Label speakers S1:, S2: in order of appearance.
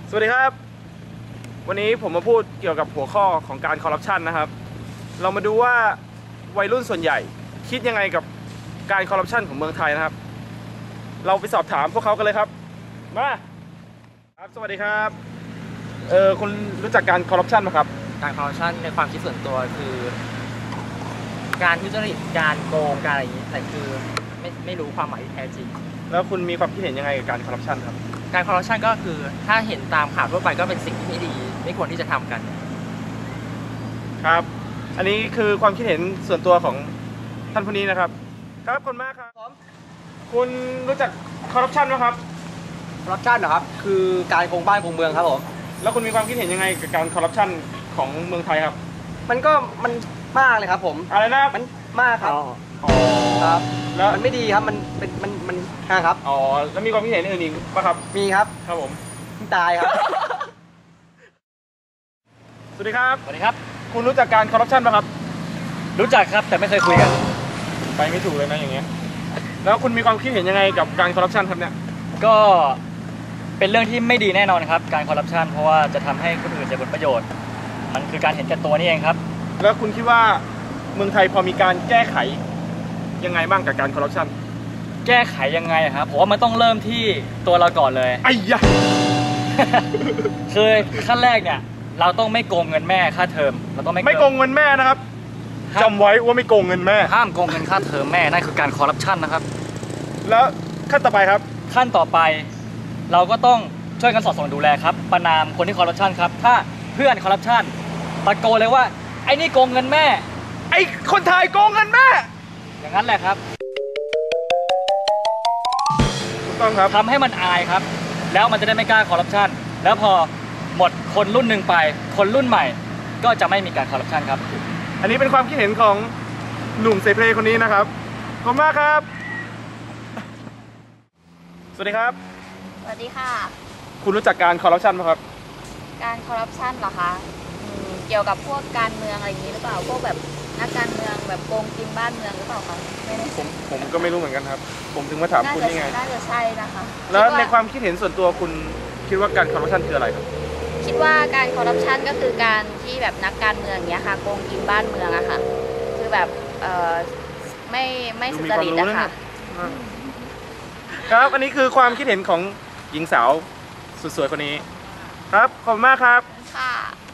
S1: สวัสดีครับวันนี้ผมมาพูดเกี่ยวกับหัวข้อของการคอร์รัปชันนะครับเรามาดูว่าวัยรุ่นส่วนใหญ่คิดยังไงกับการคอร์รัปชันของเมืองไทยนะครับเราไปสอบถามพวกเขากันเลยครับมาครับสวัสดีครับคุณรู้จักการคอร์รัปชันไหมครับ
S2: การคอร์รัปชันในความคิดส่วนตัวคือการทุจริตการโกงการอะไรอย่างนี้แต่คือไม่รู้ความหมายที่แท้จริง
S1: แล้วคุณมีความคิดเห็นยังไงกับการคอร์รัปชันครับ
S2: การคอร์รัปชันก็คือถ้าเห็นตามข่าวทั่วไปก็เป็นสิ่งที่ไม่ดีไม่ควรที่จะทำกัน
S1: ครับอันนี้คือความคิดเห็นส่วนตัวของท่านผู้นี้นะครับครับขอบคุณมากครับคุณรู้จักคอร์รัปชันไหมครับ
S3: คอร์รัปชันเหรอครับคือการโกงบ้านโกงเมืองครับผม
S1: แล้วคุณมีความคิดเห็นยังไงกับการคอร์รัปชันของเมืองไทยครับ
S3: มันมากเลยครับผม
S1: อะไรนะ
S3: มันมากครับครับแล้วมันไม่ดีครับมันครับ
S1: อ๋อแล้วมีความคิดเห็นอื่นอีกป่ะครับ
S3: มีครับ
S1: ครับผม
S3: ตายครับ
S1: สวัสดีครับ
S2: สวัสดีครับ
S1: คุณรู้จักการคอร์รัปชันป่ะครับ
S2: รู้จักครับแต่ไม่เคยคุยกัน
S1: ไปไม่ถูกเลยนะอย่างเงี้ยแล้วคุณมีความคิดเห็นยังไงกับการคอร์รัปชันครับเนี่ย
S2: ก็เป็นเรื่องที่ไม่ดีแน่นอนครับการคอร์รัปชันเพราะว่าจะทำให้คนอื่นเสียผลประโยชน์มันคือการเห็นแก่ตัวนี่เองครับ
S1: แล้วคุณคิดว่าเมืองไทยพอมีการแก้ไขยังไงบ้างกับการคอร์รัปชัน
S2: แก้ไขยังไงครับผมว่ามันต้องเริ่มที่ตัวเราก่อนเลย
S1: ไอ้ยะ
S2: คือขั้นแรกเนี่ยเราต้องไม่โกงเงินแม่ค่าเทอมเราต้อง
S1: ไม่โกงเงินแม่นะครับจำไว้ว่าไม่โกงเงินแม่
S2: ห้ามโกงเงินค่าเทอมแม่นั่นคือการคอร์รัปชันนะครับ
S1: แล้วขั้นต่อไปครับ
S2: ขั้นต่อไปเราก็ต้องช่วยกันสอดส่องดูแลครับประนามคนที่คอร์รัปชันครับถ้าเพื่อนคอร์รัปชันตะโกนเลยว่าไอ้นี่โกงเงินแม่
S1: ไอ้คนไทยโกงเงินแม่
S2: อย่างนั้นแหละครับ
S1: ถูกต้องครับ
S2: ทำให้มันอายครับแล้วมันจะได้ไม่กล้าคอร์รัปชันแล้วพอหมดคนรุ่นหนึ่งไปคนรุ่นใหม่ก็จะไม่มีการคอร์รัปชันครับ
S1: อันนี้เป็นความคิดเห็นของหนุ่มเซเพลคนนี้นะครับขอบคุณมากครับสวัสดีครับ
S4: สวัสดีค่ะ
S1: คุณรู้จักการคอร์รัปชันไหมครับ
S4: การคอร์รัปชันเหรอคะเกี่ยวกับพวกการเมืองอะไรอย่างนี้หรือเปล่าพวกแบบนักการเมืองแบบโกงกินบ้านเมืองหรือเปล่าคะไม่ได้
S1: ผมก็ไม่รู้เหมือนกันครับผมถึงมาถามคุณนี่ไง
S4: น่าจะใช่นะคะ
S1: แล้วในความคิดเห็นส่วนตัวคุณคิดว่าการคอร์รัปชันคืออะไรครับ
S4: คิดว่าการคอร์รัปชันก็คือการที่แบบนักการเมืองเนี้ยค่ะโกงกินบ้านเมืองอะค่ะคือแบบไม่สุจริตนะคะ
S1: ครับอันนี้คือความคิดเห็นของหญิงสาวสุดสวยคนนี้ครับขอบคุณมากครับ
S4: ค่ะ